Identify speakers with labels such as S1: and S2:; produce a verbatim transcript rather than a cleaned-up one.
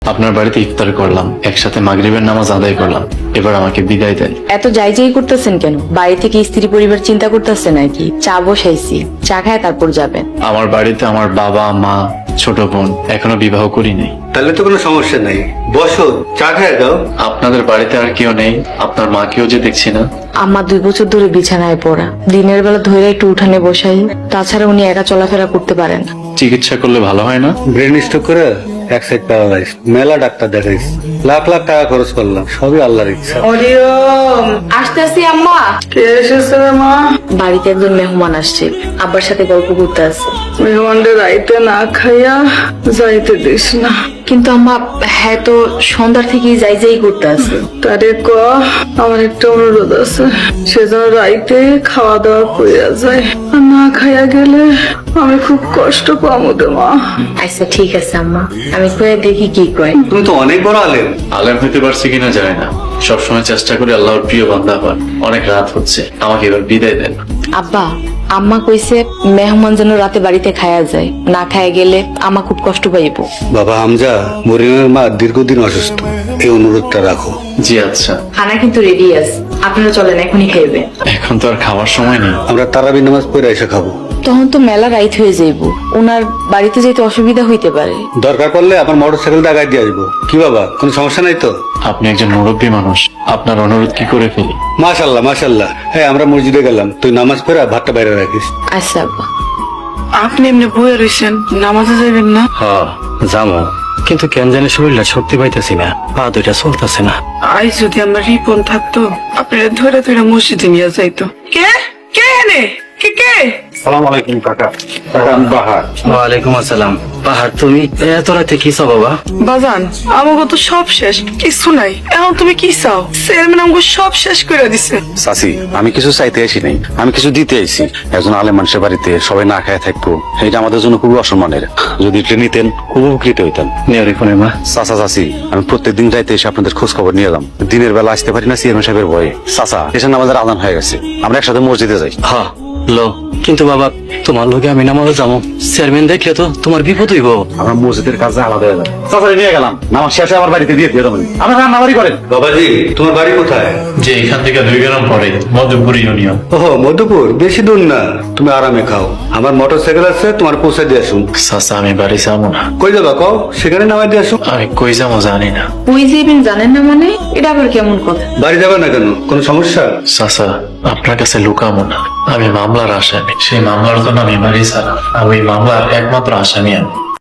S1: আপনার বাড়িতে ইফতার করলাম, একসাথে মাগরিবের নামাজ আদায় করলাম, এবার আমাকে বিদায় দেন।
S2: এত যাই যাই করতেছেন কেন? বাড়ি থেকে স্ত্রী পরিবার চিন্তা করতেছে নাকি? চা বসাইছি, চা খায় তারপর যাবেন।
S1: আমার বাড়িতে আমার বাবা মা ছোট বোন এখনো বিবাহ করি নাই।
S3: তাহলে তো কোনো সমস্যা নাই, বসো চা খেয়ে দাও।
S1: আপনাদের বাড়িতে আর কেউ নেই? আপনার মাকেও যে দেখছি না।
S2: আম্মা দুই বছর ধরে বিছানায় পড়া, দিনের বেলা ধরে একটু উঠানে বসাই, তাছাড়া উনি একা চলাফেরা করতে পারেন না।
S1: চিকিৎসা করলে ভালো হয় না?
S3: ব্রেন স্ট্রোক করে এক সাইড প্যারালাইজ, মেলা ডাক্তার দেখাইছি, লাখ লাখ টাকা খরচ করলাম, সবই আল্লাহর ইচ্ছা।
S2: আসতে আসি আম্মা।
S4: কে এসেছে রে মা?
S2: বাড়িতে একজন মেহমান আসছে, আব্বার সাথে গল্প করতে আছে।
S4: মেহমানদের রাইতে না খাইয়া যাইতে দিস না।
S2: কিন্তু আম্মা, হ্যাঁ তো সন্ধ্যার থেকেই যাই যাই করতে আছে।
S4: তারে ক আমার একটা অনুরোধ আছে, সে যেন রাইতে খাওয়া দাওয়া কইয়া যায়, আর না খাইয়া গেলে আমি খুব কষ্ট পাবো রে মা।
S2: আচ্ছা ঠিক আছে আম্মা, আমি কয়ে দেখি কি কয়।
S3: তুমি তো অনেক বড় আলেম।
S1: আলেম হইতে পারছি কিনা জানি না, সবসময় চেষ্টা করি আল্লাহর প্রিয় বান্দা হওয়ার। অনেক রাত হচ্ছে, আমাকে এবার বিদায় দেন।
S2: আব্বা, আম্মা কইছে মেহমান যেন রাতে বাড়িতে খায়া যায়, না খায়া গেলে আমা খুব কষ্ট পাইব।
S3: বাবা হামজা, মরিয়মের মা দীর্ঘদিন অসুস্থ, এই অনুরোধটা রাখো।
S1: জি আচ্ছা।
S2: খানা কিন্তু রেডি আছে, আপনারা চলেন এখনই খাইবে।
S1: এখন তো আর খাওয়ার সময় নেই।
S3: আমরা তারাবি নামাজ পড়ে এসে খাবো।
S2: তখন তো মেলা রাইত হয়ে যাইব, ওনার বাড়িতে যেতে অসুবিধা হইতে পারে।
S3: দরকার পড়লে আমার মোটর সাইকেলটা আগায় দিয়ে আসবো। কি বাবা, কোনো সমস্যা নাই তো?
S1: আপনি একজন মুরব্বী মানুষ, আপনার অনুরোধ কি করে ফেলি?
S3: মাশাল্লাহ মাশাল্লাহ। হ্যাঁ, আমরা মসজিদে গেলাম, তুই নামাজ পড়ে ভাতটা বাইরে রাখিস।
S2: আচ্ছা আব্বা।
S4: আপনি এমনি বয়ে রয়েছেন, নামাজে যাবেন না?
S5: হ্যাঁ যাবো, কিন্তু কেন জানি শরীরটা শক্তি পাইতেছি না, পা দুইটা চলতেছে না।
S4: আজ যদি আমার রিপন থাকতো, আপনারা ধরে ধরে মসজিদে নিয়ে যাইতো। কে কে এনে কে কে?
S5: সালাম আলাইকুম কাকা। কাকা আমি বাহার। ওয়ালাইকুম আসসালাম। বাহার, তুমি এত রাতে কি চাও বাবা?
S4: বাজান, আমাকে তো সব শেষ, কিছু নাই। এখন তুমি কি চাও? চেয়ারম্যান আমাকে সব শেষ করে দিছে।
S6: চাচি, আমি কিছু চাইতে আসি নাই, আমি কিছু দিতে আইছি। একজন আলেম মানুষের বাড়িতে সবাই না খায় থাকবো, এটা আমাদের জন্য খুবই অসম্মানের। যদি এটা নিতেন খুব উপকৃত হইতাম।
S1: নেওয়ারি ফোনে মা।
S6: চাচা চাচি, আমি প্রত্যেক দিন রাইতে এসে আপনাদের খোঁজ খবর নিয়ে এলাম। দিনের বেলা আসতে পারি না চেয়ারম্যান সাহেবের ভয়ে। চাচা, এসে আমাদের আদান হয়ে গেছে, আমরা একসাথে মসজিদে যাই।
S5: হ্যাঁ লো, কিন্তু বাবা তোমার লোকে আমি নামাজে যাবো, চেয়ারম্যান দেখলে তো তোমার বিপদ হইব।
S6: আমরা মসজিদের কাজে আলাদা হয়ে যাই। চাচা নিয়ে গেলাম, নামাজ শেষে আমার বাড়িতে দিয়ে দিয়ে দেবেন। আমরা রান্না বাড়ি করেন।
S3: বাবাজি, তোমার বাড়ি কোথায়?
S1: যে এখান থেকে দুই গ্রাম পরে মধুপুর ইউনিয়ন।
S3: ও মধুপুর, বেশি দূর না। তুমি আরামে খাও, আমার মোটর সাইকেল আছে, তোমার পৌঁছে দিয়ে আসুন।
S1: চাচা আমি বাড়ি যাবো না।
S3: কই যাবা কও, সেখানে নামাই দিয়ে আসুন।
S1: আমি কই যাবো জানি না।
S2: ওই যে ইভেন জানেন না মানে, এটা আবার কেমন কথা?
S3: বাড়ি যাবে না কেন, কোনো সমস্যা?
S1: চাচা আপনার কাছে লুকাবো না, আমি মামলার আসামি। সেই মামলার জন্য আমি বাড়ি ছাড়া, আমি ওই মামলার একমাত্র আসামি আমি।